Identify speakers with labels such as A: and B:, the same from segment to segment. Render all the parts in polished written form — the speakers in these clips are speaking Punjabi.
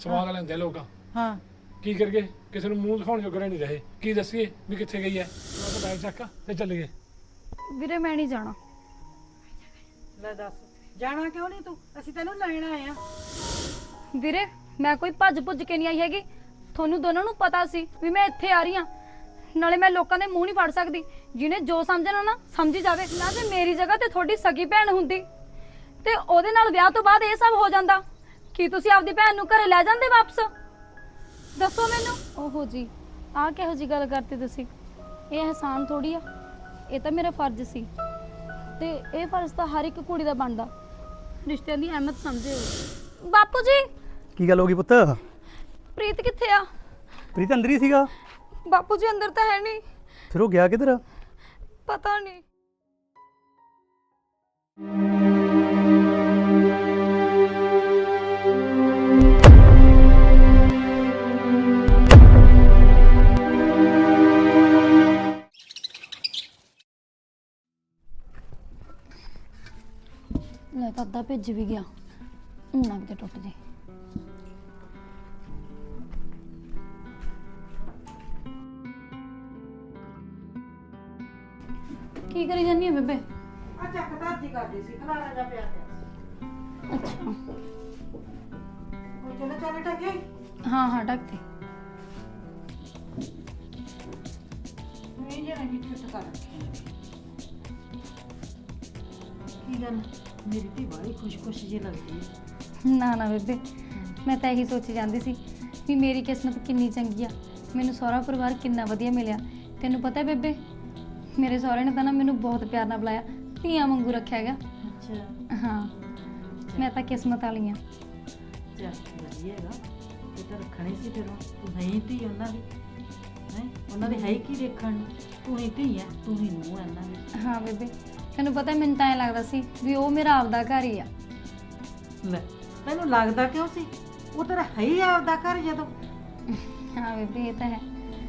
A: ਸਵਾਦ ਲੈਂਦੇ ਲੋਕ।
B: ਹਾਂ
A: ਕੀ ਕਰਗੇ, ਕਿਸੇ ਨੂੰ ਮੂੰਹ ਦਿਖਾਉਣ ਜੋਗਰੇ ਨਹੀਂ ਰਹੇ। ਕੀ ਦੱਸੀਏ ਵੀ ਕਿੱਥੇ ਗਈ ਹੈ? ਉਹ ਤਾਂ ਬੈਗ ਚੱਕ ਤੇ ਚੱਲ ਗਏ।
C: ਵੀਰੇ ਮੈਂ ਨਹੀਂ ਜਾਣਾ।
B: ਲੈ ਦੱਸ ਜਾਣਾ ਕਿਉਂ ਨਹੀਂ ਤੂੰ? ਅਸੀਂ ਤੈਨੂੰ ਲੈਣ ਆਏ ਆ।
C: ਵੀਰੇ ਮੈਂ ਕੋਈ ਭੱਜ ਭੁੱਜ ਕੇ ਨਹੀਂ ਆਈ ਹੈਗੀ। ਤੁਹਾਨੂੰ ਦੋਨਾਂ ਨੂੰ ਪਤਾ ਸੀ ਵੀ ਮੈਂ ਇੱਥੇ ਆ ਰਹੀ ਹਾਂ। ਨਾਲੇ ਮੈਂ ਲੋਕਾਂ ਦੇ ਮੂੰਹ ਨਹੀਂ ਫੜ ਸਕਦੀ। ਜਿਹਨੇ ਜੋ ਸਮਝਣਾ ਨਾ ਸਮਝੀ ਜਾਵੇ। ਨਾ ਜੇ ਮੇਰੀ ਜਗ੍ਹਾ ਤੇ ਤੁਹਾਡੀ ਸਗੀ ਭੈਣ ਹੁੰਦੀ ਤੇ ਉਹਦੇ ਨਾਲ ਵਿਆਹ ਤੋਂ ਬਾਅਦ ਇਹ ਸਭ ਹੋ ਜਾਂਦਾ, ਕੀ ਤੁਸੀਂ ਆਪਦੀ ਭੈਣ ਨੂੰ ਘਰੇ ਲੈ ਜਾਂਦੇ ਵਾਪਸ? ਦੱਸੋ ਮੈਨੂੰ। ਓਹੋ ਜੀ, ਆਹ ਕਿਹੋ ਜੀ ਗੱਲ ਕਰਤੀ ਤੁਸੀਂ? ਇਹ ਅਹਿਸਾਨ ਥੋੜੀ ਆ, ਇਹ ਤਾਂ ਮੇਰਾ ਫਰਜ਼ ਸੀ ਤੇ ਇਹ ਫਰਜ਼ ਤਾਂ ਹਰ ਇੱਕ ਕੁੜੀ ਦਾ ਬਣਦਾ। ਰਿਸ਼ਤਿਆਂ ਦੀ ਅਹਿਮੀਅਤ ਸਮਝਿਓ। ਬਾਪੂ ਜੀ।
D: ਕੀ ਗੱਲ ਹੋ ਗਈ ਪੁੱਤ?
C: ਪ੍ਰੀਤ ਕਿੱਥੇ ਆ?
D: ਪ੍ਰੀਤ ਅੰਦਰ ਹੀ ਸੀਗਾ।
C: ਬਾਪੂ ਜੀ ਅੰਦਰ ਤਾਂ ਹੈ ਨਹੀਂ।
D: ਫਿਰ ਉਹ ਗਿਆ ਕਿੱਧਰ?
C: ਪਤਾ ਨਹੀਂ। ਲੈ ਤਾਂ ਅੱਧਾ ਭਿੱਜ ਵੀ ਗਿਆ, ਨਾ ਕਿਤੇ ਟੁੱਟ ਜੇ। ਕੀ ਕਰੀ ਜਾਨੀ ਹੈ ਬੇਬੇ?
B: ਆ ਚੱਕ ਧਰਤੀ ਕਰਦੀ ਸੀ, ਖਲਾਰਾ ਜਾ ਪਿਆ ਪਿਆ।
C: ਅੱਛਾ
B: ਉਹ ਚਲੋ ਚੱਲ ਟਕੇ।
C: ਹਾਂ ਹਾਂ ਢੱਕ ਤੇ।
B: ਨਹੀਂ ਜਣਾ ਕਿ ਛੁੱਟ ਕਰ। ਕੀ ਗੱਲ ਮੇਰੀ ਧੀ ਬੜੀ ਖੁਸ਼ ਜਿਹੀ ਲੱਗਦੀ ਹੈ।
C: ਨਾ ਨਾ ਬੇਬੇ, ਮੈਂ ਤਾਂ ਇਹੀ ਸੋਚੀ ਜਾਂਦੀ ਸੀ ਵੀ ਮੇਰੀ ਕਿਸਮਤ ਕਿੰਨੀ ਚੰਗੀ ਆ, ਮੈਨੂੰ ਸਹੁਰਾ ਪਰਿਵਾਰ ਕਿੰਨਾ ਵਧੀਆ ਮਿਲਿਆ। ਤੈਨੂੰ ਪਤਾ ਬੇਬੇ, ਮੇਰੇ ਸਹੁਰੇ ਨੇ ਤਾਂ ਨਾ ਮੈਨੂੰ ਬਹੁਤ ਪਿਆਰ ਨਾਲ ਬੁਲਾਇਆ, ਧੀਆਂ ਵਾਂਗੂ ਰੱਖਿਆ ਹੈਗਾ।
B: ਅੱਛਾ
C: ਹਾਂ, ਮੈਂ ਤਾਂ ਕਿਸਮਤ ਵਾਲੀ ਆ।
B: ਚੱਲ ਵਧੀਆ ਹੈਗਾ। ਇਹ ਤਾਂ ਰੱਖਣੀ ਸੀ ਫਿਰ ਤੂੰ ਨਹੀਂ ਧੀ ਉਹਨਾਂ ਦੀ ਹੈ। ਉਹਨਾਂ ਦੇ ਹੈ ਕੀ ਦੇਖਣ ਨੂੰ? ਤੂੰ ਹੀ ਧੀ ਹੈ, ਤੂੰ ਹੀ ਨੂੰਹ ਹੈ ਉਹਨਾਂ ਦੀ।
C: ਹਾਂ ਬੇਬੇ, ਤੈਨੂੰ ਪਤਾ ਮੈਨੂੰ ਤਾਂ ਐਂ ਲੱਗਦਾ ਸੀ ਵੀ ਉਹ ਮੇਰਾ ਆਪਦਾ ਘਰ ਹੀ ਆ।
B: ਲੈ ਤੈਨੂੰ ਲੱਗਦਾ ਕਿਉਂ ਸੀ? ਉਹ ਤੇਰਾ ਹੈ ਹੀ ਆਪਦਾ ਘਰ। ਜਦੋਂ
C: ਹਾਂ ਬੇਬੇ ਇਹ ਤਾਂ ਹੈ।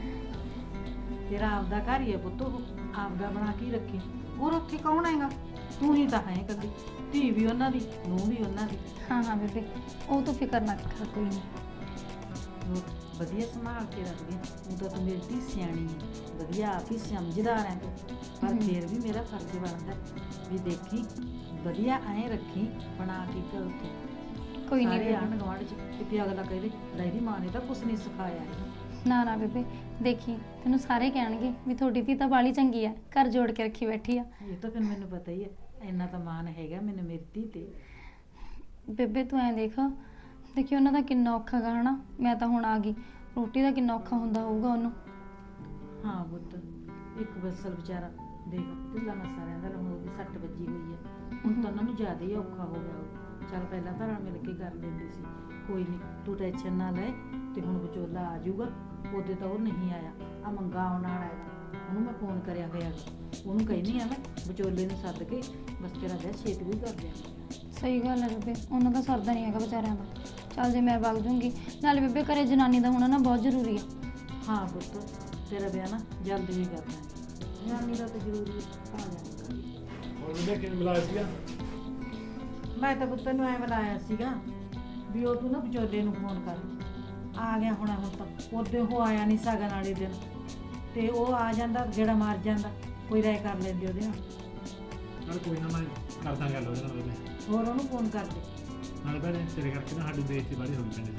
B: ਤੇਰਾ ਆਪਦਾ ਘਰ ਹੀ ਹੈ ਪੁੱਤ, ਉਹ ਆਪਦਾ ਬਣਾ ਕੇ ਰੱਖੀ। ਹੋਰ ਉੱਥੇ ਕੌਣ ਹੈਗਾ? ਤੂੰ ਹੀ ਤਾਂ ਹੈ ਕਦੀ ਧੀ ਵੀ ਉਹਨਾਂ ਦੀ, ਨੂੰਹ ਵੀ ਉਹਨਾਂ ਦੀ।
C: ਹਾਂ ਹਾਂ ਬੇਬੇ, ਉਹ ਤੂੰ ਫਿਕਰ ਨਾ ਕਰ, ਕੋਈ ਨਹੀਂ।
B: ਹੋਰ ਵਧੀਆ ਸੰਭਾਲ ਕੇ ਰੱਖਦੀ। ਉਹ ਤਾਂ ਤੂੰ ਮੇਰੀ ਧੀ ਸਿਆਣੀ ਹੈ, ਵਧੀਆ ਆਪ ਹੀ ਸਮਝਦਾਰ ਹੈ ਤੂੰ। ਪਰ ਫਿਰ ਵੀ ਮੇਰਾ ਫਰਜ਼ ਬਣਦਾ ਵੀ ਦੇਖੀ ਵਧੀਆ ਐਂ ਰੱਖੀ ਬਣਾ ਕੇ ਘਰ ਉੱਤੇ।
C: ਕੋਈ ਨਹੀਂ
B: ਸਾਰੇ
C: ਬੇਬੇ।
B: ਆਂਢ ਗੁਆਂਢ ਚ ਕਿਤੇ ਅਗਲਾ ਕਹੇ ਲੈ ਇਹਦੀ ਮਾਂ ਨੇ ਤਾਂ ਕੁਛ ਨਹੀਂ ਸਿਖਾਇਆ ਇਹਨੂੰ।
C: ਨਾ ਨਾ ਬੇਬੇ, ਦੇਖੀ ਤੈਨੂੰ ਸਾਰੇ ਕਹਿਣਗੇ ਵੀ ਤੁਹਾਡੀ ਧੀ ਤਾਂ ਬਾਲੀ ਚੰਗੀ ਆ, ਘਰ ਜੋੜ ਕੇ ਰੱਖੀ ਬੈਠੀ ਆ।
B: ਇਹ ਤਾਂ ਫਿਰ ਮੈਨੂੰ ਪਤਾ ਹੀ ਹੈ, ਇੰਨਾ ਤਾਂ ਮਾਣ ਹੈਗਾ ਮੈਨੂੰ ਮੇਰੀ ਧੀ ਤੇ।
C: ਬੇਬੇ ਤੂੰ ਐਂ ਦੇਖੀ ਉਹਨਾਂ ਦਾ ਕਿੰਨਾ ਔਖਾ ਗਾ ਹਨਾ। ਮੈਂ ਤਾਂ ਹੁਣ ਆ ਗਈ, ਰੋਟੀ ਦਾ ਕਿੰਨਾ ਔਖਾ ਹੁੰਦਾ ਹੋਊਗਾ ਉਹਨੂੰ।
B: ਹਾਂ ਪੁੱਤ, ਇੱਕ ਬਸਲ ਵਿਚਾਰਾ ਦੇਖ ਢਿੱਲਾ ਮੱਸਾ ਰਹਿੰਦਾ, ਹੁਣ ਉਹਦੀ ਸੱਟ ਵੱਜੀ ਹੋਈ ਹੈ। ਹੁਣ ਤਾਂ ਉਹਨਾਂ ਨੂੰ ਜ਼ਿਆਦਾ ਹੀ ਔਖਾ ਹੋ ਗਿਆ। ਚੱਲ ਪਹਿਲਾਂ ਤਾਂ ਰਲ ਮਿਲ ਕੇ ਕਰ ਲੈਂਦੇ ਸੀ। ਕੋਈ ਨਹੀਂ ਤੂੰ ਟੈਨਸ਼ਨ ਨਾ ਲੈ। ਤੇ ਹੁਣ ਵਿਚੋਲਾ ਆ ਜਾਊਗਾ। ਉਹਦੇ ਤਾਂ ਉਹ ਨਹੀਂ ਆਇਆ, ਆ ਮੰਗਾ ਆਉਣ ਵਾਲਾ ਹੈਗਾ। ਉਹਨੂੰ ਮੈਂ ਫੋਨ ਕਰਿਆ ਹੋਇਆ, ਉਹਨੂੰ ਕਹਿੰਦੀ ਆ ਮੈਂ ਵਿਚੋਲੇ ਨੂੰ ਸੱਦ ਕੇ ਬਸ ਤੇਰਾ ਵਿਆਹ ਛੇਤੀ ਵੀ ਕਰ ਦਿਆਂ।
C: ਸਹੀ ਗੱਲ ਹੈ ਬੇਬੇ, ਉਹਨਾਂ ਦਾ ਸਰਦਾ ਨਹੀਂ ਹੈਗਾ ਵਿਚਾਰਿਆਂ ਦਾ। ਚੱਲ ਜੇ ਮੈਂ ਵਗ ਜੂੰਗੀ, ਨਾਲੇ ਬੇਬੇ ਘਰੇ ਜਨਾਨੀ ਦਾ ਹੋਣਾ ਨਾ ਬਹੁਤ ਜ਼ਰੂਰੀ ਆ।
B: ਹਾਂ ਪੁੱਤ, ਤੇਰਾ ਵਿਆਹ ਨਾ ਜਲਦੀ ਹੀ ਕਰਨਾ ਹੈ। ਜਨਾਨੀ ਦਾ ਤਾਂ ਜ਼ਰੂਰੀ ਆ ਜਾਣਾ।
A: ਹੋਰ ਉਹਨੇ ਕਿਵੇਂ ਬੁਲਾਇਆ ਸੀਗਾ?
B: ਮੈਂ ਤਾਂ ਪੁੱਤ ਨੂੰ ਐ ਬੁਲਾਇਆ ਸੀਗਾ ਵੀ ਉਹ ਤੂੰ ਨਾ ਵਿਚੋਲੇ ਨੂੰ ਫੋਨ ਕਰ। ਆ ਗਿਆ ਹੁਣ ਤਾਂ ਉਹਦੇ ਉਹ ਆਇਆ ਨਹੀਂ ਸਗਨ ਵਾਲੇ ਦਿਨ, ਤੇ ਉਹ ਆ ਜਾਂਦਾ ਗੇੜਾ ਮਾਰ ਜਾਂਦਾ, ਕੋਈ ਰਾਏ ਕਰ ਲੈਂਦੇ ਉਹਦੇ ਨਾਲ।
A: ਚਲ ਕੋਈ ਨਾ, ਮੈਂ ਕਰਦਾ ਗੱਲ ਉਹਦੇ ਨਾਲ ਬੇਬੇ।
B: ਹੋਰ ਉਹਨੂੰ ਫੋਨ ਕਰ ਦੇ।
A: ਨਾਲੇ ਭੈਣੇ ਤੇਰੇ ਕਰਕੇ ਨਾ ਸਾਡੀ ਬੇਇੱਜ਼ਤੀ ਬੜੀ ਹੋ ਗਈ ਪਿੰਡ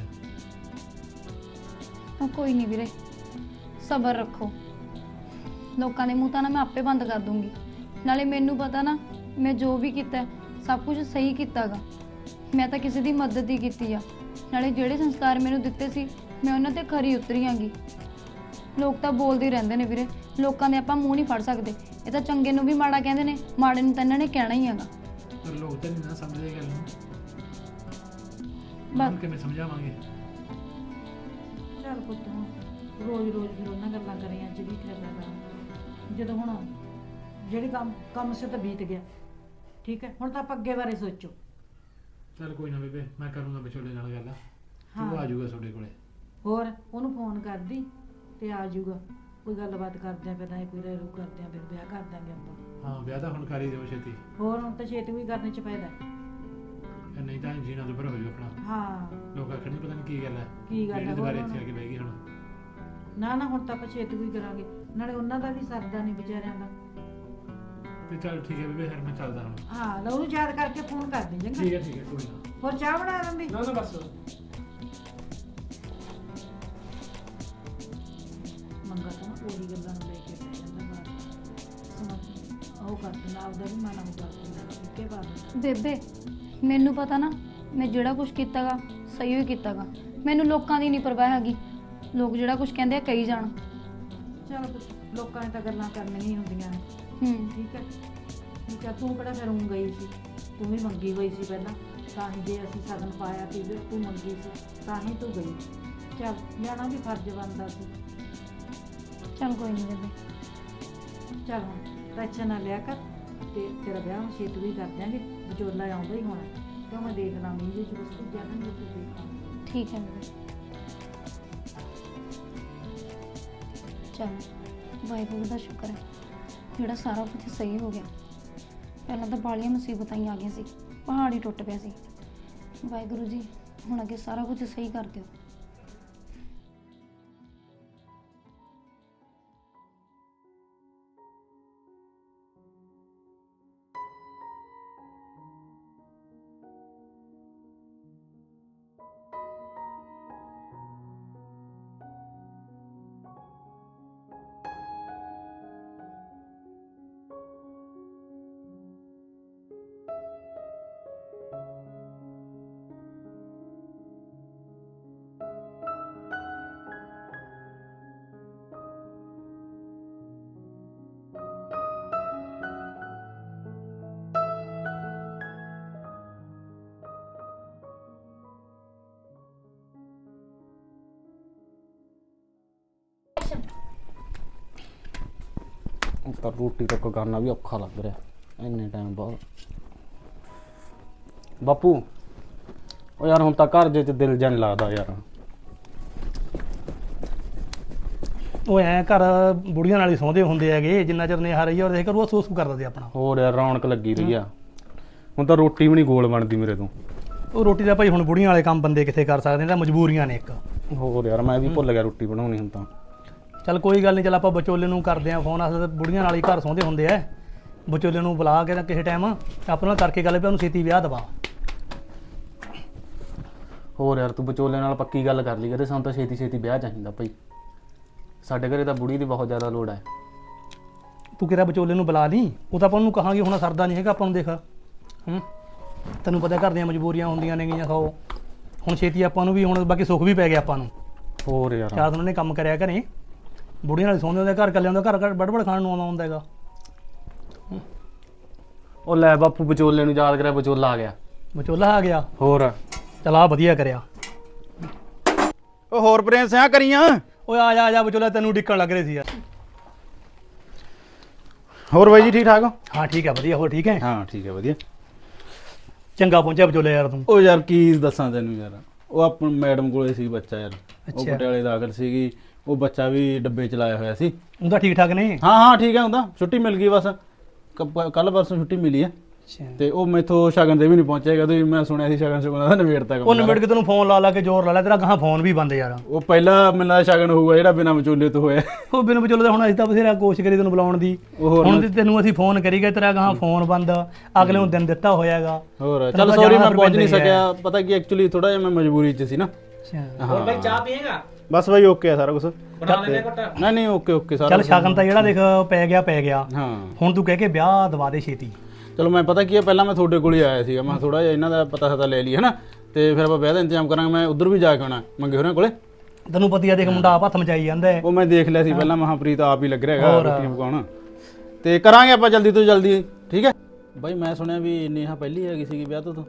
A: 'ਚ।
C: ਕੋਈ ਨਹੀਂ ਵੀਰੇ, ਸਬਰ ਰੱਖੋ। ਲੋਕਾਂ ਦੇ ਮੂੰਹ ਤਾਂ ਨਾ ਮੈਂ ਆਪੇ ਬੰਦ ਕਰ ਦੂੰਗੀ। ਨਾਲੇ ਮੈਨੂੰ ਪਤਾ ਨਾ ਮੈਂ ਜੋ ਵੀ ਕੀਤਾ ਸਭ ਕੁਝ ਸਹੀ ਕੀਤਾਗਾ। ਮੈਂ ਤਾਂ ਕਿਸੇ ਦੀ ਮਦਦ ਹੀ ਕੀਤੀ ਆ। ਨਾਲੇ ਜਿਹੜੇ ਸੰਸਕਾਰ ਮੈਨੂੰ ਦਿੱਤੇ ਸੀ ਮੈਂ ਉਹਨਾਂ ਤੇ ਖਰੀ ਉਤਰੀ ਆਂਗੀ। ਲੋਕ ਤਾਂ ਬੋਲਦੇ ਹੀ ਰਹਿੰਦੇ ਨੇ ਵੀਰੇ, ਲੋਕਾਂ ਦੇ ਆਪਾਂ ਮੂੰਹ ਨਹੀਂ ਫੜ ਸਕਦੇ। ਇਹ ਤਾਂ ਚੰਗੇ ਨੂੰ ਵੀ ਮਾੜਾ ਕਹਿੰਦੇ ਨੇ, ਮਾੜੇ ਨੂੰ ਤਾਂ ਇਹਨਾਂ ਨੇ ਕਹਿਣਾ ਹੀ ਹੈਗਾ।
A: ਪਰ ਲੋਕ ਤਾਂ ਨਹੀਂ ਨਾ ਸਮਝਦੇ ਗੱਲ ਨੂੰ।
C: ਬਸ
A: ਹੁਣ ਕਿਵੇਂ ਸਮਝਾਵਾਂਗੇ?
B: ਚੱਲ ਪੁੱਤ ਹੁਣ ਰੋਜ਼ ਫਿਰ ਉਹਨਾਂ ਗੱਲਾਂ ਕਰੀਆਂ ਅੱਜ ਵੀ ਫਿਰ ਕਰਾਂ। ਜਦੋਂ ਹੁਣ ਜਿਹੜੀ ਕੰਮ ਸੇ ਤਾਂ ਬੀਤ ਗਿਆ, ਠੀਕ ਹੈ। ਹੁਣ ਤਾਂ ਆਪਾਂ ਅੱਗੇ ਬਾਰੇ ਸੋਚੋ।
A: ਚਲ ਕੋਈ ਨਾ ਬੇਬੇ, ਮੈਂ ਕਰੂੰਗਾ ਵਿਚੋਲੇ ਨਾਲ ਗੱਲ।
B: ਹਾਂ।
A: ਉਹ ਆ ਜਾਊਗਾ ਤੁਹਾਡੇ ਕੋਲੇ।
B: ਹੋਰ ਉਹਨੂੰ ਫੋਨ ਕਰਦੀ ਤੇ ਆ ਜਾਊਗਾ। ਕੋਈ ਗੱਲਬਾਤ ਕਰਦੇ ਆ, ਫਿਰ ਨਾ ਕੋਈ ਰਹਿ ਰੂ ਕਰਦੇ ਆ, ਫਿਰ ਵਿਆਹ ਕਰ ਦਾਂਗੇ ਆਪਾਂ।
A: ਹਾਂ, ਵਿਆਹ ਤਾਂ ਹੁਣ ਕਰ ਹੀ ਦਿਓ ਛੇਤੀ।
B: ਹੋਰ ਹੁਣ ਤਾਂ ਛੇਤੀ ਵੀ ਕਰਨੇ ਚ ਫਾਇਦਾ।
A: ਨਹੀਂ ਤਾਂ ਜੀਣਾ ਦੁਬਾਰਾ ਹੋ ਜਾਊ ਆਪਣਾ।
B: ਹਾਂ
A: ਲੋਕ ਆਖਣ ਪਤਾ ਨਹੀਂ ਕੀ ਗੱਲ ਹੈ,
B: ਕੀ ਗੱਲ ਹੈ
A: ਦੁਬਾਰੇ
B: ਹੋਰ
A: ਇੱਥੇ ਆ ਕੇ ਬਹਿ ਗਈ ਹੁਣ।
B: ਨਾ ਨਾ ਹੁਣ ਤਾਂ ਆਪਾਂ ਛੇਤੀ ਕੋਈ ਕਰਾਂਗੇ, ਨਾਲੇ ਉਹਨਾਂ ਦਾ ਵੀ ਸਰਦਾ ਨਹੀਂ ਵਿਚਾਰਿਆਂ ਦਾ।
A: ਤੇ ਚੱਲ ਠੀਕ ਹੈ ਬੇਬੇ, ਫਿਰ ਮੈਂ ਚੱਲਦਾ ਹੁਣ।
B: ਹਾਂ ਲੈ ਉਹਨੂੰ ਯਾਦ ਕਰਕੇ ਫੋਨ ਕਰ ਦੇ ਚੰਗਾ।
A: ਠੀਕ ਹੈ ਕੋਈ ਨਾ।
B: ਹੋਰ ਚਾਹ ਬਣਾ ਦਿੰਦੀ।
A: ਨਾ ਬਸ
B: ਮੰਗਾ ਤਾਂ ਨਾ ਉਹੀ ਗੱਲਾਂ ਨੂੰ ਲੈ ਕੇ ਪੈ ਜਾਂਦਾ ਬਾਹਰ। ਉਹ ਕਰ ਦਿੰਦਾ ਆਪਦਾ ਵੀ ਮਨ ਨੂੰ ਕਰ ਦਿੰਦਾ ਇੱਕੇ ਬਾਤ।
C: ਬੇਬੇ ਮੈਨੂੰ ਪਤਾ ਨਾ, ਮੈਂ ਜਿਹੜਾ ਕੁਝ ਕੀਤਾਗਾ ਸਹੀ ਹੀ ਕੀਤਾਗਾ। ਮੈਨੂੰ ਲੋਕਾਂ ਦੀ ਨਹੀਂ ਪਰਵਾਹ ਹੈਗੀ, ਲੋਕ ਜਿਹੜਾ ਕੁਝ ਕਹਿੰਦੇ ਆ ਕਹੀ ਜਾਣ।
B: ਚਲ ਲੋਕਾਂ ਨੇ ਤਾਂ ਗੱਲਾਂ ਕਰਨੀਆਂ ਹੀ ਹੁੰਦੀਆਂ ਨੇ। ਠੀਕ ਹੈ ਠੀਕ ਹੈ। ਤੂੰ ਕਿਹੜਾ ਫਿਰ ਉਂ ਗਈ ਸੀ, ਤੂੰ ਵੀ ਮੰਗੀ ਹੋਈ ਸੀ ਪਹਿਲਾਂ, ਤਾਂ ਹੀ ਜੇ ਅਸੀਂ ਸਗਨ ਪਾਇਆ ਸੀ ਫਿਰ ਤੂੰ ਮੰਗੀ ਸੀ ਤਾਂ ਹੀ ਤੂੰ ਗਈ। ਚੱਲ ਜਾਣਾ ਵੀ ਫਰਜ਼ ਬਣਦਾ ਸੀ।
C: ਚੱਲ ਕੋਈ ਨਹੀਂ ਬੇਬੇ।
B: ਚੱਲ ਹੁਣ ਟੈਨਸ਼ਨ ਨਾ ਲਿਆ ਕਰ, ਤੇ ਤੇਰਾ ਵਿਆਹ ਹੁਣ ਛੇਤੀ ਵੀ ਕਰ ਦਿਆਂਗੇ। ਵਿਚੋਲਾ ਆਉਂਦਾ ਹੀ ਹੋਣਾ, ਕਿਉਂ ਮੈਂ ਦੇਖ ਲਾਂਗੀ ਜੇ ਬਸ ਤੂੰ ਜਾਣ ਦੇ ਤੂੰ ਦੇਖ ਲਾਂਗੀ।
C: ਠੀਕ ਹੈ ਬੇਬੇ। ਚਲ ਵਾਹਿਗੁਰੂ ਦਾ ਸ਼ੁਕਰ ਹੈ ਜਿਹੜਾ ਸਾਰਾ ਕੁਝ ਸਹੀ ਹੋ ਗਿਆ। ਪਹਿਲਾਂ ਤਾਂ ਬਾਲੀਆਂ ਮੁਸੀਬਤਾਂ ਹੀ ਆ ਗਈਆਂ ਸੀ, ਪਹਾੜ ਹੀ ਟੁੱਟ ਪਿਆ ਸੀ। ਵਾਹਿਗੁਰੂ ਜੀ ਹੁਣ ਅੱਗੇ ਸਾਰਾ ਕੁਝ ਸਹੀ ਕਰ ਦਿਓ।
E: ਤਾਂ ਰੋਟੀ ਤੱਕ ਕਰਨਾ ਵੀ ਔਖਾ ਲੱਗ ਰਿਹਾ ਇੰਨੇ ਟਾਈਮ ਬਾਅਦ। ਬਾਪੂ ਉਹ ਯਾਰ ਹੁਣ ਤਾਂ ਘਰ ਜੇ ਚ ਦਿਲ ਜਾਂ ਨਹੀਂ ਲੱਗਦਾ ਯਾਰ।
D: ਉਹ ਐ ਘਰ ਬੁੜੀਆਂ ਨਾਲ ਹੀ ਸੌਂਦੇ ਹੁੰਦੇ ਹੈਗੇ, ਜਿੰਨਾ ਚਿਰ ਨੇਹਾ ਰਹੀ ਆ ਉਹਦੇ ਘਰ ਉਹ ਸੋਸ ਕਰਦਾ ਸੀ ਆਪਣਾ।
E: ਹੋਰ ਯਾਰ ਰੌਣਕ ਲੱਗੀ ਰਹੀ ਆ, ਹੁਣ ਤਾਂ ਰੋਟੀ ਵੀ ਨਹੀਂ ਗੋਲ ਬਣਦੀ ਮੇਰੇ ਤੋਂ।
D: ਉਹ ਰੋਟੀ ਦਾ ਭਾਈ ਹੁਣ ਬੁੜੀਆਂ ਵਾਲੇ ਕੰਮ ਬੰਦੇ ਕਿੱਥੇ ਕਰ ਸਕਦੇ ਨੇ, ਤਾਂ ਮਜਬੂਰੀਆਂ ਨੇ ਇੱਕ।
E: ਹੋਰ ਯਾਰ ਮੈਂ ਵੀ ਭੁੱਲ ਗਿਆ ਰੋਟੀ ਬਣਾਉਣੀ ਹੁਣ ਤਾਂ।
D: ਚੱਲ ਕੋਈ ਗੱਲ ਨਹੀਂ, ਚੱਲ ਆਪਾਂ ਵਿਚੋਲੇ ਨੂੰ ਕਰਦੇ ਆਂ ਫੋਨ। ਅਸਲ ਬੁੜੀਆਂ ਨਾਲ ਹੀ ਘਰ ਸੌਂਦੇ ਹੁੰਦੇ ਐ। ਵਿਚੋਲੇ ਨੂੰ ਬੁਲਾ ਕੇ ਨਾ ਕਿਸੇ ਟਾਈਮ ਆਪਾਂ ਨਾਲ ਕਰਕੇ ਗੱਲ ਵੀ ਉਹਨੂੰ ਛੇਤੀ ਵਿਆਹ ਦਵਾ।
E: ਹੋਰ ਯਾਰ ਤੂੰ ਵਿਚੋਲੇ ਨਾਲ ਪੱਕੀ ਗੱਲ ਕਰ ਲਈ ਕਰੇ, ਸਾਨੂੰ ਤਾਂ ਛੇਤੀ ਛੇਤੀ ਵਿਆਹ ਚਾਹੀਦਾ ਭਾਈ। ਸਾਡੇ ਘਰੇ ਤਾਂ ਬੁੜੀ ਦੀ ਬਹੁਤ ਜ਼ਿਆਦਾ ਲੋੜ ਹੈ।
D: ਤੂੰ ਕਿਹੜਾ ਵਿਚੋਲੇ ਨੂੰ ਬੁਲਾ ਲਈ, ਉਹ ਤਾਂ ਆਪਾਂ ਉਹਨੂੰ ਕਹਾਂਗੇ ਹੁਣ ਸਰਦਾ ਨਹੀਂ ਹੈਗਾ ਆਪਾਂ ਨੂੰ। ਦੇਖ ਤੈਨੂੰ ਪਤਾ ਘਰ ਦੀਆਂ ਮਜਬੂਰੀਆਂ ਹੁੰਦੀਆਂ ਨੇ ਗਈਆਂ। ਖਾਓ ਹੁਣ ਛੇਤੀ ਆਪਾਂ ਨੂੰ ਵੀ, ਹੁਣ ਬਾਕੀ ਸੁੱਖ ਵੀ ਪੈ ਗਿਆ ਆਪਾਂ ਨੂੰ।
E: ਹੋਰ ਯਾਰ
D: ਚਾਰ ਉਹਨਾਂ ਨੇ ਕੰਮ ਕਰਿਆ ਘਰੇ, ਬੁੜੀਆਂ ਨਾਲ ਸੌਂਦੇ ਹੁੰਦੇ, ਘਰ ਕੱਲਿਆਂ ਦਾ ਘਰ ਬੜਬੜ ਖਾਣ ਨੂੰ ਆਉਂਦਾ ਹੁੰਦਾ ਹੈਗਾ।
E: ਉਹ ਲੈ ਬਾਪੂ ਵਿਚੋਲੇ ਨੂੰ ਯਾਦ ਕਰਿਆ, ਵਿਚੋਲਾ ਆ ਗਿਆ।
D: ਵਿਚੋਲਾ ਆ ਗਿਆ,
E: ਹੋਰ
D: ਚਲ ਆ ਵਧੀਆ ਕਰਿਆ।
F: ਉਹ ਹੋਰ ਪ੍ਰਿੰਸ ਆ ਕਰੀਆਂ।
D: ਓਏ ਆ ਜਾ ਵਿਚੋਲਾ, ਤੈਨੂੰ ਡਿੱਕਣ ਲੱਗ ਰਹੇ ਸੀ ਯਾਰ।
F: ਹੋਰ ਬਾਈ ਜੀ ਠੀਕ ਠਾਕ ਹੋ?
D: ਹਾਂ ਠੀਕ ਹੈ ਵਧੀਆ। ਹੋਰ ਠੀਕ ਹੈ?
F: ਹਾਂ ਠੀਕ ਹੈ ਵਧੀਆ।
D: ਚੰਗਾ ਪਹੁੰਚਿਆ ਵਿਚੋਲੇ ਯਾਰ ਤੂੰ।
F: ਉਹ ਯਾਰ ਕੀ ਦੱਸਾਂ ਤੈਨੂੰ ਯਾਰ, ਉਹ ਆਪਣ ਮੈਡਮ ਕੋਲੇ ਸੀ ਬੱਚਾ ਯਾਰ, ਉਹ
D: ਅੱਛਾ।
F: ਪਟਿਆਲੇ ਦਾਖਲ ਸੀਗੀ। ਉਹ ਬੱਚਾ ਵੀ ਡੱਬੇ ਚ ਲਾਇਆ ਹੋਇਆ ਸੀ।
D: ਉਹਦਾ ਠੀਕ ਠਾਕ ਨੇ?
F: ਹਾਂ ਠੀਕ ਹੈ, ਹੁੰਦਾ ਛੁੱਟੀ ਮਿਲ ਗਈ ਬਸ, ਕੱਲ ਪਰਸੋਂ ਛੁੱਟੀ ਮਿਲੀ ਹੈ।
D: ਅੱਛਾ।
F: ਤੇ ਉਹ ਮੈਥੋਂ ਸ਼ਗਨ ਤੇ ਵੀ ਨਹੀਂ ਪਹੁੰਚੇਗਾ, ਤੇ ਮੈਂ ਸੁਣਿਆ ਸੀ ਸ਼ਗਨ ਸ਼ੁਗਨ ਦਾ ਨਵੇੜ ਤੱਕ।
D: ਉਹ ਨਿਬੜ ਕੇ ਤੈਨੂੰ ਫੋਨ ਲਾ ਕੇ ਜ਼ੋਰ ਲਾ ਲਿਆ, ਤੇਰਾ ਗਾਹਾਂ ਫੋਨ ਵੀ ਬੰਦ ਯਾਰ।
F: ਉਹ ਪਹਿਲਾ ਮੈਨੂੰ ਸ਼ਗਨ ਹੋਊਗਾ ਜਿਹੜਾ ਬਿਨਾਂ ਵਿਚੋਲੇ ਤੋਂ ਹੋਇਆ।
D: ਉਹ ਬਿਨ ਵਿਚੋਲੇ ਦਾ ਹੁਣ ਅਸੀਂ ਤਾਂ ਬਥੇਰਾ ਕੋਸ਼ਿਸ਼ ਕਰੀ ਤੈਨੂੰ ਬੁਲਾਉਣ ਦੀ, ਹੁਣ ਤੇ ਤੈਨੂੰ ਅਸੀਂ ਫੋਨ ਕਰੀ ਗਏ, ਤੇਰਾ ਗਾਹਾਂ ਫੋਨ ਬੰਦ। ਅਗਲੇ ਨੂੰ ਦਿਨ ਦਿੱਤਾ ਹੋਇਆਗਾ।
F: ਹੋਰ ਚੱਲ ਸੌਰੀ ਮੈਂ ਪਹੁੰਚ ਨਹੀਂ ਸਕਿਆ, ਪਤਾ ਕੀ ਐਕਚੁਅਲੀ ਥੋੜਾ ਜਿਹਾ ਮੈਂ ਮਜਬੂਰੀ ਚ ਸੀ ਨਾ।
D: ਹੋਰ
F: ਬਾਈ ਚਾਹ ਪੀਏਗਾ? ਬਸ ਬਾਈ ਓਕੇ ਆ ਸਾਰਾ ਕੁਝ। ਨਹੀਂ ਓਕੇ ਸਾਰਾ।
D: ਚੱਲ ਸ਼ਗਨ ਤਾਂ ਜਿਹੜਾ ਦੇਖ ਪੈ ਗਿਆ।
F: ਹਾਂ
D: ਹੁਣ ਤੂੰ ਕਹਿ ਕੇ ਵਿਆਹ ਦਵਾ ਦੇ ਛੇਤੀ।
F: ਚਲੋ ਮੈਂ ਪਤਾ ਕੀ ਹੈ, ਪਹਿਲਾਂ ਮੈਂ ਤੁਹਾਡੇ ਕੋਲ ਹੀ ਆਇਆ ਸੀਗਾ, ਮੈਂ ਥੋੜਾ ਜਿਹਾ ਇਹਨਾਂ ਦਾ ਪਤਾ ਲੈ ਲਈ ਹੈ ਨਾ, ਤੇ ਫਿਰ ਆਪਾਂ ਵਿਆਹ ਦਾ ਇੰਤਜ਼ਾਮ ਕਰਾਂਗੇ। ਮੈਂ ਉਧਰ ਵੀ ਜਾ ਕੇ ਆਉਣਾ ਮੰਗੇ ਹੋਰਾਂ ਕੋਲੇ।
D: ਤੈਨੂੰ ਪਤੀ ਆ ਦੇਖ ਮੁੰਡਾ ਆਪ ਹੱਥ ਮਚਾਈ ਜਾਂਦਾ ਹੈ।
F: ਉਹ ਮੈਂ ਦੇਖ ਲਿਆ ਸੀ ਪਹਿਲਾਂ, ਮਹਾਂਪ੍ਰੀਤ ਆਪ ਹੀ ਲੱਗ ਰਿਹਾ ਹੈਗਾ ਰੋਟੀਆਂ ਪਕਾਉਣ। ਤੇ ਕਰਾਂਗੇ ਆਪਾਂ ਜਲਦੀ ਤੋਂ ਜਲਦੀ, ਠੀਕ ਹੈ ਬਾਈ। ਮੈਂ ਸੁਣਿਆ ਵੀ ਨੇਹਾ ਪਹਿਲੀ ਹੈਗੀ ਸੀਗੀ ਵਿਆਹ ਤੋਂ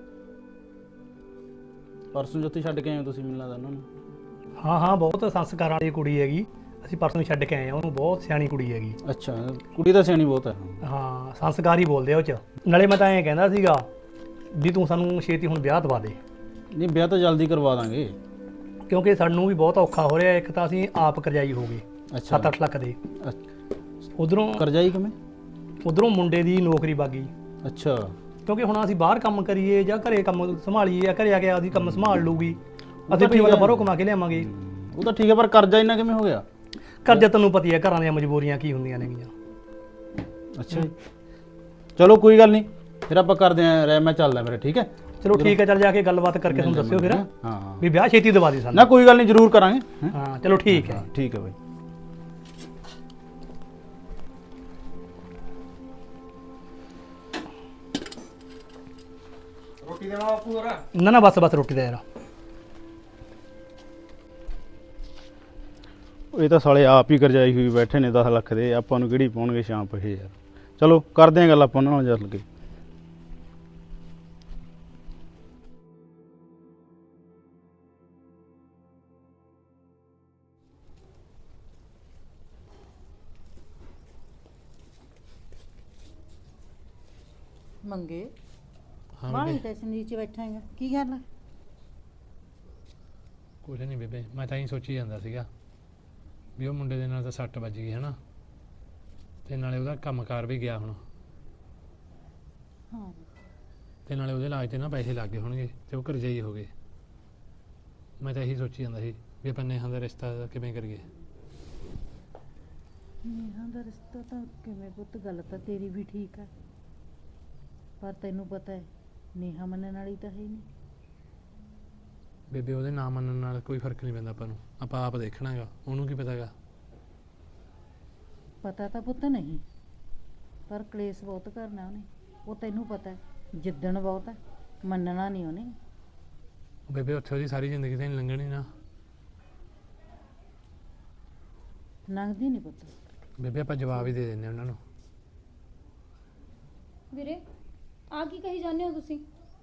F: ਪਰਸੋਂ ਜੋਤੀ ਛੱਡ ਕੇ ਆਏ ਹੋ ਤੁਸੀਂ, ਮਿਲਣਾ ਤਾਂ ਉਹਨਾਂ ਨੂੰ?
D: ਹਾਂ ਬਹੁਤ ਸੰਸਕਾਰ ਵਾਲੀ ਕੁੜੀ ਹੈਗੀ। ਅਸੀਂ ਪਰਸੋਂ ਛੱਡ ਕੇ ਆਏ ਆ ਉਹਨੂੰ, ਬਹੁਤ ਸਿਆਣੀ ਕੁੜੀ ਹੈਗੀ।
F: ਅੱਛਾ, ਕੁੜੀ ਤਾਂ ਸਿਆਣੀ ਬਹੁਤ ਹੈ।
D: ਹਾਂ ਸੰਸਕਾਰ ਹੀ ਬੋਲਦੇ ਆ ਉਹ ਚ। ਨਾਲੇ ਮੈਂ ਤਾਂ ਐਂ ਕਹਿੰਦਾ ਸੀਗਾ ਵੀ ਤੂੰ ਸਾਨੂੰ ਛੇਤੀ ਹੁਣ ਵਿਆਹ ਦਵਾ ਦੇ।
F: ਨਹੀਂ ਵਿਆਹ ਤਾਂ ਜਲਦੀ ਕਰਵਾ ਦਾਂਗੇ,
D: ਕਿਉਂਕਿ ਸਾਨੂੰ ਵੀ ਬਹੁਤ ਔਖਾ ਹੋ ਰਿਹਾ। ਇੱਕ ਤਾਂ ਅਸੀਂ ਆਪ ਕਰਜ਼ਾਈ ਹੋ ਗਏ 7-8 ਲੱਖ ਦੇ। ਉਧਰੋਂ
F: ਕਰਜ਼ਾਈ ਕਿਵੇਂ?
D: ਉਧਰੋਂ ਮੁੰਡੇ ਦੀ ਨੌਕਰੀ ਬਾਗੀ।
F: ਅੱਛਾ।
D: ਕਿਉਂਕਿ ਹੁਣ ਅਸੀਂ ਬਾਹਰ ਕੰਮ ਕਰੀਏ ਜਾਂ ਘਰੇ ਕੰਮ ਸੰਭਾਲੀਏ ਜਾਂ ਘਰੇ ਆ ਕੇ ਆਦੀ ਕੰਮ ਸੰਭਾਲ ਲੂਗੀ ਅਸੀਂ ਵੀ ਵਾਲਾ ਬਾਹਰੋਂ ਕਮਾ ਕੇ ਲਿਆਵਾਂਗੇ।
F: ਉਹ ਤਾਂ ਠੀਕ ਹੈ ਪਰ ਕਰਜ਼ਾ ਇੰਨਾ ਕਿਵੇਂ ਹੋ ਗਿਆ?
D: ਕਰਜ਼ਾ ਤੈਨੂੰ ਪਤੀ ਹੈ ਘਰਾਂ ਦੀਆਂ ਮਜਬੂਰੀਆਂ ਕੀ ਹੁੰਦੀਆਂ ਨੇਗੀਆਂ।
F: ਅੱਛਾ ਜੀ, ਚਲੋ ਕੋਈ ਗੱਲ ਨਹੀਂ, ਫਿਰ ਆਪਾਂ ਕਰਦੇ ਆਂ ਰਹਿ, ਮੈਂ ਚੱਲਦਾ ਫਿਰ, ਠੀਕ ਹੈ?
D: ਚਲੋ ਠੀਕ ਹੈ, ਚੱਲ ਜਾ ਕੇ ਗੱਲਬਾਤ ਕਰਕੇ ਤੁਹਾਨੂੰ ਦੱਸਿਓ ਫਿਰ
F: ਹਾਂ
D: ਵੀ ਵਿਆਹ ਛੇਤੀ ਦਵਾ ਦੇ ਸਾਨੂੰ।
F: ਨਾ ਕੋਈ ਗੱਲ ਨਹੀਂ, ਜ਼ਰੂਰ ਕਰਾਂਗੇ। ਹੈਂ?
D: ਹਾਂ ਚਲੋ ਠੀਕ ਹੈ।
F: ਠੀਕ ਹੈ ਬਾਈ।
A: ਰੋਟੀ ਦੇਣਾ ਬਾਪੂ ਹੋਰ?
D: ਨਾ ਨਾ ਬਸ ਰੋਟੀ ਦਾ ਯਾਰ।
F: ਇਹ ਤਾਂ ਸਾਲੇ ਆਪ ਹੀ ਕਰਜਾਈ ਹੋਈ ਬੈਠੇ ਨੇ 10 ਲੱਖ ਦੇ, ਆਪਾਂ ਨੂੰ ਕਿਹੜੀ ਪਾਉਣਗੇ ਸ਼ਾਮ ਪਹੇ ਯਾਰ। ਚਲੋ ਕਰਦੇ ਆਂ ਗੱਲ ਆਪਾਂ ਉਹਨਾਂ ਨਾਲ ਚੱਲ ਕੇ।
B: ਮੰਗੇ
A: ਹਾਂ
B: ਬਾਹਲੀ
A: ਬੇਬੇ,
B: ਟੈਸ਼ਨ ਦੀ ਚ ਬੈਠਾ ਹੈਗਾ, ਕੀ ਗੱਲ ਹੈ?
A: ਕੁਝ ਨਹੀਂ ਬੇਬੇ, ਮੈਂ ਤਾਂ ਹੀ ਸੋਚੀ ਜਾਂਦਾ ਸੀਗਾ ਵੀ ਉਹ ਮੁੰਡੇ ਦੇ ਨਾਲ ਤਾਂ ਸੱਟ ਵੱਜ ਗਈ ਹੈ ਨਾ, ਤੇ ਨਾਲੇ ਉਹਦਾ ਕੰਮਕਾਰ ਵੀ ਗਿਆ ਹੁਣ,
B: ਹਾਂ
A: ਤੇ ਨਾਲੇ ਉਹਦੇ ਇਲਾਜ ਤੇ ਨਾ ਪੈਸੇ ਲੱਗ ਗਏ ਹੋਣਗੇ ਤੇ ਉਹ ਕਰਜ਼ਾਈ ਹੋ ਗਏ। ਮੈਂ ਤਾਂ ਇਹੀ ਸੋਚੀ ਜਾਂਦਾ ਸੀ ਵੀ ਆਪਾਂ ਨੇਹਾ ਦਾ ਰਿਸ਼ਤਾ ਕਿਵੇਂ ਕਰੀਏ।
B: ਨੇਹਾ ਦਾ ਰਿਸ਼ਤਾ ਤਾਂ ਕਿਵੇਂ ਪੁੱਤ, ਗੱਲ ਤਾਂ ਤੇਰੀ ਵੀ ਠੀਕ ਹੈ, ਪਰ ਤੈਨੂੰ ਪਤਾ ਹੈ ਨੇਹਾ ਮੰਨਣ ਵਾਲੀ ਤਾਂ ਹੈ ਹੀ ਨਹੀਂ।
A: ਬੇਬੇ ਉਹਦੇ ਨਾ ਮੰਨਣ ਨਾਲ ਕੋਈ ਫਰਕ ਨਹੀਂ ਪੈਂਦਾ ਆਪਾਂ ਨੂੰ, ਆਪਾਂ ਆਪ ਦੇਖਣਾ ਹੈਗਾ, ਉਹਨੂੰ ਕੀ ਪਤਾਗਾ।
B: ਪਤਾ ਤਾਂ ਪੁੱਤ ਨਹੀਂ, ਪਰ ਕਲੇਸ਼ ਬਹੁਤ ਕਰਨਾ ਉਹਨੇ, ਉਹ ਤੈਨੂੰ ਪਤਾ ਹੈ, ਜਿੱਦਣ ਬਹੁਤ ਹੈ, ਮੰਨਣਾ ਨਹੀਂ ਉਹਨੇ।
A: ਬੇਬੇ ਉੱਥੇ ਉਹਦੀ ਸਾਰੀ ਜ਼ਿੰਦਗੀ ਤਾਂ ਨਹੀਂ ਲੰਘਣੀ ਨਾ।
B: ਲੰਘਦੀ ਨਹੀਂ ਪੁੱਤ।
A: ਬੇਬੇ ਆਪਾਂ ਜਵਾਬ ਹੀ ਦੇ ਦਿੰਦੇ ਉਹਨਾਂ ਨੂੰ।
C: ਵੀਰੇ ਆ ਕੀ ਕਹੀ ਜਾਂਦੇ ਹੋ ਤੁਸੀਂ?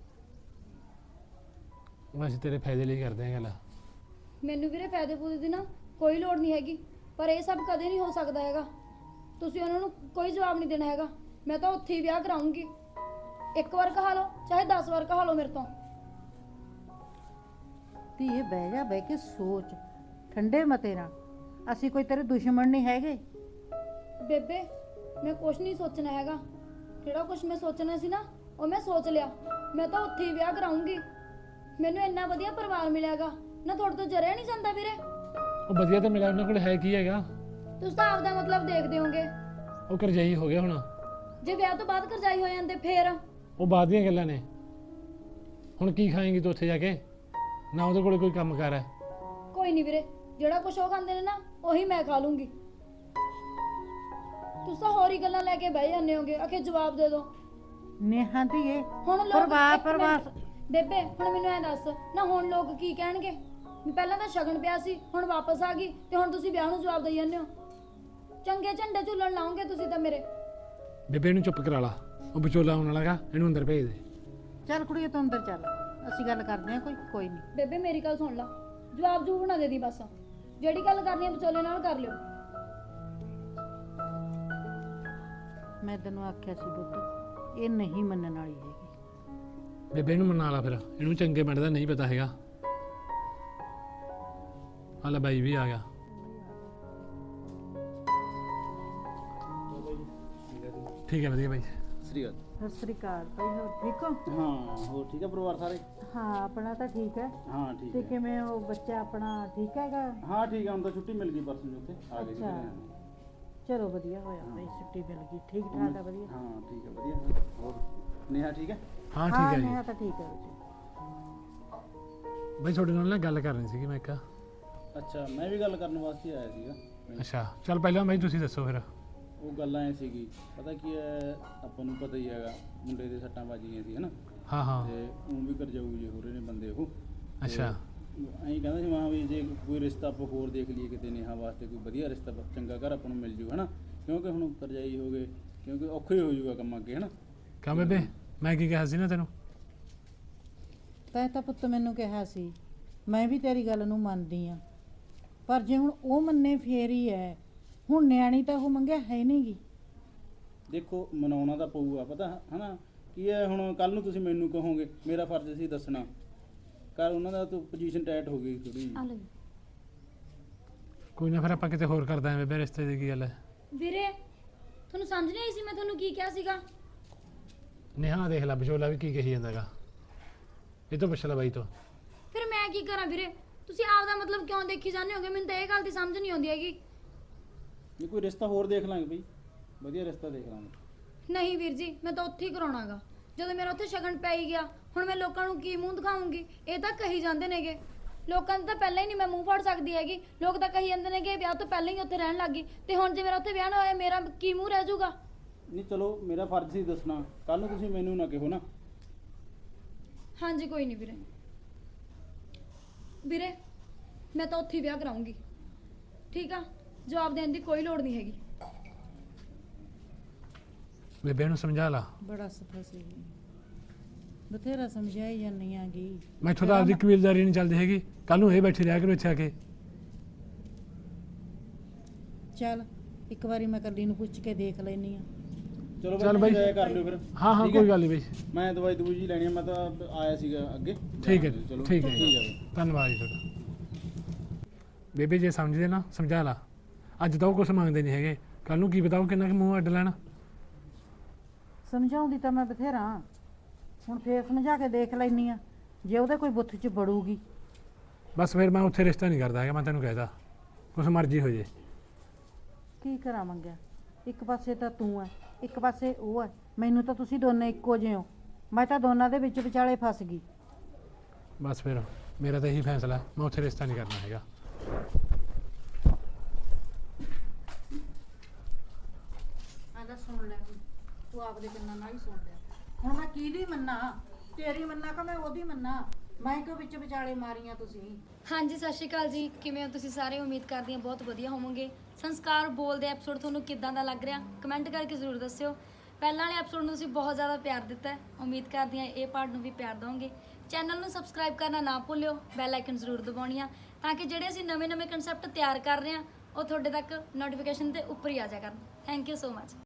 A: ਉਹ ਅਸੀਂ ਤੇਰੇ ਫਾਇਦੇ ਲਈ ਕਰਦੇ ਹਾਂ ਗੱਲ।
C: ਮੈਨੂੰ ਵੀਰੇ ਫਾਇਦੇ ਫੂਦੇ ਦੀ ਨਾ ਕੋਈ ਲੋੜ ਨਹੀਂ ਹੈਗੀ, ਪਰ ਇਹ ਸਭ ਕਦੇ ਨਹੀਂ ਹੋ ਸਕਦਾ ਹੈਗਾ। ਤੁਸੀਂ ਉਹਨਾਂ ਨੂੰ ਕੋਈ ਜਵਾਬ ਨਹੀਂ ਦੇਣਾ ਹੈਗਾ। ਮੈਂ ਤਾਂ ਉੱਥੇ ਹੀ ਵਿਆਹ ਕਰਾਉਂਗੀ। ਇੱਕ ਵਾਰ ਕਹਾ ਲਓ ਚਾਹੇ 10 ਵਾਰ ਕਹਾ ਲਓ ਮੇਰੇ ਤੋਂ।
B: ਧੀਏ ਬਹਿ ਜਾ, ਬਹਿ ਕੇ ਸੋਚ ਠੰਡੇ ਮਤੇ ਨਾਲ, ਅਸੀਂ ਕੋਈ ਤੇਰੇ ਦੁਸ਼ਮਣ ਨਹੀਂ ਹੈਗੇ।
C: ਬੇਬੇ ਮੈਂ ਕੁਛ ਨਹੀਂ ਸੋਚਣਾ ਹੈਗਾ, ਜਿਹੜਾ ਕੁਛ ਮੈਂ ਸੋਚਣਾ ਸੀ ਨਾ ਉਹ ਮੈਂ ਸੋਚ ਲਿਆ। ਮੈਂ ਤਾਂ ਉੱਥੇ ਹੀ ਵਿਆਹ ਕਰਾਉਂਗੀ। ਮੈਨੂੰ ਇੰਨਾ ਵਧੀਆ ਪਰਿਵਾਰ ਮਿਲਿਆਗਾ ਨਾ, ਤੁਹਾਡੇ ਤੋਂ ਜਰਿਆ ਨਹੀਂ ਜਾਂਦਾ ਵੀਰੇ।
A: ਉਹ ਵਧੀਆ ਤਾਂ ਮਿਲਿਆ, ਉਹਨਾਂ ਕੋਲ ਹੈ ਕੀ ਹੈਗਾ?
C: ਤੁਸੀਂ ਤਾਂ ਆਪਦਾ ਮਤਲਬ ਦੇਖਦੇ ਹੋਗੇ।
A: ਉਹ ਕਰਜ਼ਾਈ ਹੋ ਗਿਆ ਹੁਣ।
C: ਜੇ ਵਿਆਹ ਤੋਂ ਬਾਅਦ ਕਰਜ਼ਾਈ ਹੋ ਜਾਂਦੇ ਫੇਰ?
A: ਉਹ ਬਾਅਦ ਦੀਆਂ ਗੱਲਾਂ ਨੇ। ਹੁਣ ਕੀ ਖਾਏਂਗੀ ਤੂੰ ਉੱਥੇ ਜਾ ਕੇ? ਨਾ ਉਹਦੇ ਕੋਲ ਕੋਈ ਕੰਮ ਕਾਰ ਹੈ।
C: ਕੋਈ ਨਹੀਂ ਵੀਰੇ, ਜਿਹੜਾ ਕੁਛ ਉਹ ਖਾਂਦੇ ਨੇ ਨਾ ਉਹੀ ਮੈਂ ਖਾ ਲੂੰਗੀ। ਤੁਸੀਂ ਤਾਂ ਹੋਰ ਹੀ ਗੱਲਾਂ ਲੈ ਕੇ ਬਹਿ ਜਾਂਦੇ ਹੋਗੇ, ਆਖੇ ਜਵਾਬ ਦੇ ਦਿਓ।
B: ਨੇਹਾ ਧੀਏ
C: ਹੁਣ ਲੋਕ
B: ਪਰਵਾਹ
C: ਬੇਬੇ ਹੁਣ ਮੈਨੂੰ ਐ ਦੱਸ ਨਾ, ਹੁਣ ਲੋਕ ਕੀ ਕਹਿਣਗੇ ਵੀ ਪਹਿਲਾਂ ਤਾਂ ਸ਼ਗਨ ਪਿਆ ਸੀ, ਹੁਣ ਵਾਪਸ ਆ ਗਈ ਤੇ ਹੁਣ ਤੁਸੀਂ ਵਿਆਹ ਨੂੰ ਜਵਾਬ ਦੇਈ ਜਾਂਦੇ ਹੋ। ਚੰਗੇ ਝੰਡੇ ਝੁੱਲਣ ਲਾਉਂਗੇ ਤੁਸੀਂ ਤਾਂ ਮੇਰੇ।
A: ਬੇਬੇ ਨੂੰ ਚੁੱਪ ਕਰਾ ਲਾ, ਉਹ ਵਿਚੋਲਾ ਆਉਣ ਵਾਲਾਗਾ, ਇਹਨੂੰ ਅੰਦਰ ਭੇਜ ਦੇ।
B: ਚੱਲ ਕੁੜੀਏ ਤੂੰ ਅੰਦਰ ਚੱਲ, ਅਸੀਂ ਗੱਲ ਕਰਦੇ ਹਾਂ ਕੋਈ ਨਹੀਂ।
C: ਬੇਬੇ ਮੇਰੀ ਗੱਲ ਸੁਣ ਲਾ, ਜਵਾਬ ਜੂ ਬਣਾ ਦੇ ਦੀ ਬਸ। ਜਿਹੜੀ ਗੱਲ ਕਰਨੀ ਹੈ ਵਿਚੋਲੇ ਨਾਲ ਕਰ ਲਿਓ।
B: ਮੈਂ ਤੈਨੂੰ ਆਖਿਆ ਸੀ ਪੁੱਤ, ਇਹ ਨਹੀਂ ਮੰਨਣ ਵਾਲੀ ਹੈਗੀ।
A: ਬੇਬੇ ਨੂੰ ਮਨਾ ਲਾ ਫਿਰ, ਇਹਨੂੰ ਚੰਗੇ ਪਿੰਡ ਦਾ ਨਹੀਂ ਪਤਾ ਹੈਗਾ। ਹਾਲਾ ਬਾਈ ਵੀ ਆ ਗਿਆ। ਠੀਕ ਹੈ ਵਧੀਆ ਬਾਈ।
F: ਸ੍ਰੀ ਅਕਾਲ।
B: ਸਤਿ ਸ੍ਰੀ ਅਕਾਲ ਭਾਈ, ਹੋਰ ਠੀਕ ਹੋ?
F: ਹਾਂ ਹੋਰ ਠੀਕ ਹੈ ਪਰਿਵਾਰ ਸਾਰੇ?
B: ਹਾਂ ਆਪਣਾ ਤਾਂ ਠੀਕ ਹੈ।
F: ਹਾਂ ਠੀਕ
B: ਤੇ
F: ਹੈ।
B: ਕਿਵੇਂ ਉਹ ਬੱਚਾ ਆਪਣਾ ਠੀਕ ਹੈਗਾ?
F: ਹਾਂ ਠੀਕ ਹੈ, ਹੁਣ ਤਾਂ ਛੁੱਟੀ ਮਿਲ ਗਈ ਪਰਸੋਂ ਨੂੰ, ਉੱਥੇ ਆ ਗਏ ਸੀ।
B: ਅੱਛਾ। ਚਲੋ ਵਧੀਆ ਹੋਇਆ ਭਾਈ, ਛੁੱਟੀ ਮਿਲ ਗਈ, ਠੀਕ ਠਾਕ ਆ ਵਧੀਆ।
F: ਹਾਂ ਠੀਕ ਹੈ ਵਧੀਆ। ਹੋਰ ਨੇਹਾ ਠੀਕ ਹੈ?
A: ਹਾਂ ਠੀਕ ਹੈ ਜੀ।
B: ਨੇਹਾ ਤਾਂ ਠੀਕ ਹੈ ਬੱਚੇ।
A: ਬਾਈ ਤੁਹਾਡੇ ਨਾਲ ਨਾ ਗੱਲ ਕਰਨੀ ਸੀਗੀ ਮੈਂ ਇੱਕ।
F: ਅੱਛਾ, ਮੈਂ ਵੀ ਗੱਲ ਕਰਨ ਵਾਸਤੇ ਆਇਆ ਸੀਗਾ।
A: ਅੱਛਾ ਚੱਲ ਪਹਿਲਾਂ ਬਾਈ ਤੁਸੀਂ ਦੱਸੋ ਫਿਰ।
F: ਉਹ ਗੱਲ ਐ ਸੀਗੀ, ਪਤਾ ਕੀ ਹੈ, ਆਪਾਂ ਨੂੰ ਪਤਾ ਹੀ ਹੈਗਾ ਮੁੰਡੇ ਦੇ ਸੱਟਾਂ ਵੱਜ ਗਈਆਂ ਸੀ ਹਨਾ,
A: ਹਾਂ ਹਾਂ
F: ਤੇ ਉਹ ਵੀ ਕਰਜਾਊ ਜੇ ਹੋ ਰਹੇ ਨੇ ਬੰਦੇ ਉਹ।
A: ਅੱਛਾ
F: ਐਂ ਕਹਿੰਦਾ ਸੀ ਮਾਂ ਵੀ ਜੇ ਕੋਈ ਰਿਸ਼ਤਾ ਆਪਾਂ ਹੋਰ ਦੇਖ ਲਈਏ ਕਿਤੇ ਨੇਹਾ ਵਾਸਤੇ, ਕੋਈ ਵਧੀਆ ਰਿਸ਼ਤਾ ਚੰਗਾ ਘਰ ਆਪਾਂ ਨੂੰ ਮਿਲ ਜੂ ਹਨਾ, ਕਿਉਂਕਿ ਹੁਣ ਕਰਜਾਈ ਹੋ ਗਏ, ਕਿਉਂਕਿ ਔਖੇ ਹੋ ਜੂਗਾ ਕੰਮ ਅੱਗੇ ਹਨਾ।
A: ਕਿਉਂ ਬੇਬੇ, ਮੈਂ ਕੀ ਕਿਹਾ ਸੀ ਨਾ ਤੈਨੂੰ?
B: ਤੈਂ ਤਾਂ ਪੁੱਤ ਮੈਨੂੰ ਕਿਹਾ ਸੀ, ਮੈਂ ਵੀ ਤੇਰੀ ਗੱਲ ਨੂੰ ਮੰਨਦੀ ਆ, ਪਰ ਜੇ ਹੁਣ ਉਹ ਮੰਨੇ ਫੇਰ ਹੀ ਹੈ। ਹੁਣ ਨਿਆਣੀ ਤਾਂ ਉਹ ਮੰਗਿਆ ਹੈ ਨਹੀਂਗੀ।
F: ਦੇਖੋ ਮਨਾਉਣਾ ਤਾਂ ਪਊਗਾ, ਪਤਾ ਹਨਾ ਕੀ ਹੈ, ਹੁਣ ਕੱਲ ਨੂੰ ਤੁਸੀਂ ਮੈਨੂੰ ਕਹੋਗੇ, ਮੇਰਾ ਫਰਜ਼ ਸੀ ਦੱਸਣਾ। ਕੱਲ ਉਹਨਾਂ ਦਾ ਤਾਂ ਪੋਜੀਸ਼ਨ ਟਾਈਟ ਹੋ ਗਈ ਥੋੜੀ।
C: ਆ ਲਓ
A: ਕੋਈ ਨਾ ਫਿਰ ਆਪਾਂ ਕਿਤੇ ਹੋਰ ਕਰਦਾ ਹਾਂ ਬੇਬੇ, ਰਿਸ਼ਤੇ ਦੀ ਕੀ ਗੱਲ ਹੈ?
C: ਵੀਰੇ ਤੁਹਾਨੂੰ ਸਮਝ ਨਹੀਂ ਆਈ ਸੀ ਮੈਂ ਤੁਹਾਨੂੰ ਕੀ ਕਿਹਾ ਸੀਗਾ?
A: ਨੇਹਾ ਦੇਖ ਲੈ ਵਿਚੋਲਾ ਵੀ ਕੀ ਕਹੀ ਜਾਂਦਾਗਾ, ਇਹ ਤੋਂ ਪੁੱਛ ਲੈ ਬਾਈ ਤੋਂ।
C: ਫਿਰ ਮੈਂ ਕੀ ਕਰਾਂ ਵੀਰੇ? ਤੁਸੀਂ ਆਪਦਾ ਮਤਲਬ ਕਿਉਂ ਦੇਖੀ ਜਾਂਦੇ ਹੋਗੇ? ਮੈਨੂੰ ਤਾਂ ਇਹ ਗੱਲ ਦੀ ਸਮਝ ਨਹੀਂ ਆਉਂਦੀ ਹੈਗੀ।
F: ਨਹੀਂ ਕੋਈ ਰਿਸ਼ਤਾ ਹੋਰ ਦੇਖ ਲਾਂਗੇ ਬਈ, ਵਧੀਆ ਰਿਸ਼ਤਾ ਦੇਖ ਲਾਂਗੇ।
C: ਨਹੀਂ ਵੀਰ ਜੀ, ਮੈਂ ਤਾਂ ਉੱਥੇ ਹੀ ਕਰਾਉਣਾਗਾ। ਜਦੋਂ ਮੇਰਾ ਉੱਥੇ ਸ਼ਗਨ ਪੈ ਹੀ ਗਿਆ, ਹੁਣ ਮੈਂ ਲੋਕਾਂ ਨੂੰ ਕੀ ਮੂੰਹ ਦਿਖਾਉਂਗੀ? ਇਹ ਤਾਂ ਕਹੀ ਜਾਂਦੇ ਨੇਗੇ, ਲੋਕਾਂ ਨੂੰ ਤਾਂ ਪਹਿਲਾਂ ਹੀ ਨਹੀਂ ਮੈਂ ਮੂੰਹ ਫੜ ਸਕਦੀ ਹੈਗੀ। ਲੋਕ ਤਾਂ ਕਹੀ ਜਾਂਦੇ ਨੇ ਕਿ ਵਿਆਹ ਤੋਂ ਪਹਿਲਾਂ ਹੀ ਉੱਥੇ ਰਹਿਣ ਲੱਗੀ, ਤੇ ਹੁਣ ਜੇ ਮੇਰਾ ਉੱਥੇ ਵਿਆਹ ਨਾ ਹੋਇਆ, ਮੇਰਾ ਕੀ ਮੂੰਹ ਰਹਿ ਜਾਊਗਾ?
F: ਨਹੀਂ ਚਲੋ ਮੇਰਾ ਫਰਜ਼ ਸੀ ਦੱਸਣਾ, ਕੱਲ ਨੂੰ ਤੁਸੀਂ ਮੈਨੂੰ ਨਾ ਕਹੋ ਨਾ।
C: ਹਾਂਜੀ ਕੋਈ ਨਹੀਂ ਵੀਰੇ। ਵੀਰੇ ਮੈਂ ਤਾਂ ਉੱਥੇ ਹੀ ਵਿਆਹ ਕਰਾਉਂਗੀ, ਠੀਕ ਆ? ਜਵਾਬ ਦੇਣ ਦੀ ਕੋਈ ਲੋੜ ਨਹੀਂ ਹੈਗੀ।
A: ਬੇਬੇ ਨੂੰ ਸਮਝਾ ਲਾ।
B: ਬੜਾ ਸਫਾ ਸੀ, ਬਥੇਰਾ ਸਮਝਾਈ ਜਾਂਦੀ ਆਂਗੀ।
A: ਮੈਥੋਂ ਤਾਂ ਆਪਦੀ ਕਬੀਲਦਾਰੀ ਨਹੀਂ ਚੱਲਦੀ ਹੈਗੀ, ਕੱਲ ਨੂੰ ਇਹ ਬੈਠੀ ਰਿਹਾ ਕਰੋ ਇੱਥੇ ਆ ਕੇ।
B: ਚੱਲ ਇੱਕ ਵਾਰੀ ਮੈਂ ਕੱਲੀ ਨੂੰ ਪੁੱਛ ਕੇ ਦੇਖ ਲੈਣੀ ਆ।
F: ਚਲੋ
A: ਚੱਲ
F: ਬਈ
A: ਬਈ।
F: ਜਾਇਆ ਕਰ ਲਿਓ ਫਿਰ।
A: ਹਾਂ ਹਾਂ
F: ਠੀਕ
A: ਕੋਈ
F: ਹੈ?
A: ਗੱਲ ਨਹੀਂ ਬਈ।
F: ਮੈਂ ਦਵਾਈ ਦੂਜੀ ਜੀ ਲੈਣੀ ਆ, ਮੈਂ ਤਾਂ ਆਇਆ ਸੀਗਾ ਅੱਗੇ।
A: ਠੀਕ ਹੈ
F: ਚਲੋ
A: ਠੀਕ ਹੈ
F: ਠੀਕ ਹੈ ਬਈ।
A: ਧੰਨਵਾਦ ਜੀ ਤੁਹਾਡਾ। ਬੇਬੇ ਜੇ ਸਮਝਦੇ ਨਾ ਸਮਝਾ ਲਾ, ਅੱਜ ਤਾਂ ਉਹ ਕੁਛ ਮੰਗਦੇ ਨਹੀਂ ਹੈਗੇ, ਕੱਲ ਨੂੰ ਕੀ ਬਤਾਓ ਕਿੰਨਾ ਕੁ ਮੂੰਹ ਅੱਡ ਲੈਣਾ।
B: ਸਮਝਾਉਂਦੀ ਤਾਂ ਮੈਂ ਬਥੇਰਾ, ਹੁਣ ਫੇਰ ਸਮਝਾ ਕੇ ਦੇਖ ਲੈਣੀ ਆ, ਜੇ ਉਹਦੇ ਕੋਈ ਬੁੱਥ 'ਚ ਬੜੂਗੀ।
A: ਬਸ ਫਿਰ ਮੈਂ ਉੱਥੇ ਰਿਸ਼ਤਾ ਨਹੀਂ ਕਰਦਾ ਹੈਗਾ, ਮੈਂ ਤੈਨੂੰ ਕਹਿਦਾ ਕੁਛ ਮਰਜ਼ੀ ਹੋ ਜੇ।
B: ਕੀ ਕਰਾਂ ਮੰਗਿਆ? ਇੱਕ ਪਾਸੇ ਤਾਂ ਤੂੰ ਐ, ਇੱਕ ਪਾਸੇ ਉਹ ਐ, ਮੈਨੂੰ ਤਾਂ ਤੁਸੀਂ ਦੋਨੇ ਇੱਕੋ ਜਿਹੇ ਹੋ। ਮੈਂ ਤਾਂ ਦੋਨਾਂ ਦੇ ਵਿੱਚ ਵਿਚਾਲੇ ਫਸ ਗਈ।
A: ਬਸ ਫਿਰ ਮੇਰਾ ਤਾਂ ਇਹੀ ਫੈਸਲਾ ਹੈ, ਮੈਂ ਉੱਥੇ ਰਿਸ਼ਤਾ ਨਹੀਂ ਕਰਨਾ ਹੈਗਾ।
B: ਆਂਦਾ ਸੁਣ ਲੈ, ਤੂੰ ਆਪਦੇ ਕੰਨਾਂ ਨਾਲ ਹੀ ਸੁਣ ਲੈ। ਹੁਣ ਮੈਂ ਕਿਹਦੀ ਮੰਨਾਂ? ਤੇਰੀ ਮੰਨਾਂ ਕਿ ਮੈਂ ਉਹਦੀ ਮੰਨਾਂ? ਮੈਂ ਕਿਉਂ ਵਿੱਚ ਵਿਚਾਲੇ ਮਾਰੀਆਂ ਤੁਸੀਂ?
C: ਹਾਂਜੀ ਸਤਿ ਸ਼੍ਰੀ ਅਕਾਲ ਜੀ, ਕਿਵੇਂ ਹੋ ਤੁਸੀਂ ਸਾਰੇ? ਉਮੀਦ ਕਰਦੀ ਹਾਂ ਬਹੁਤ ਵਧੀਆ ਹੋਵੋਗੇ। ਸੰਸਕਾਰ ਬੋਲਦੇ ਐਪੀਸੋਡ ਤੁਹਾਨੂੰ ਕਿੱਦਾਂ ਦਾ ਲੱਗ ਰਿਹਾ, ਕਮੈਂਟ ਕਰਕੇ ਜ਼ਰੂਰ ਦੱਸਿਓ। ਪਹਿਲਾਂ ਵਾਲੇ ਐਪੀਸੋਡ ਨੂੰ ਤੁਸੀਂ ਬਹੁਤ ਜ਼ਿਆਦਾ ਪਿਆਰ ਦਿੱਤਾ ਹੈ, ਉਮੀਦ ਕਰਦੀ ਹਾਂ ਇਹ ਪਾਰਟ ਨੂੰ ਵੀ ਪਿਆਰ ਦਿਓਗੇ। ਚੈਨਲ ਨੂੰ ਸਬਸਕ੍ਰਾਈਬ ਕਰਨਾ ਨਾ ਭੁੱਲਿਓ, ਬੈਲ ਆਈਕਨ ਜ਼ਰੂਰ ਦਬਾਉਣੀ ਆ, ਤਾਂ ਕਿ ਜਿਹੜੇ ਅਸੀਂ ਨਵੇਂ-ਨਵੇਂ ਕਨਸੈਪਟ ਤਿਆਰ ਕਰ ਰਹੇ ਹਾਂ ਉਹ ਤੁਹਾਡੇ ਤੱਕ ਨੋਟੀਫਿਕੇਸ਼ਨ ਦੇ ਉੱਪਰ ਹੀ ਆ ਜਾਇਆ ਕਰਨ। Thank you so much.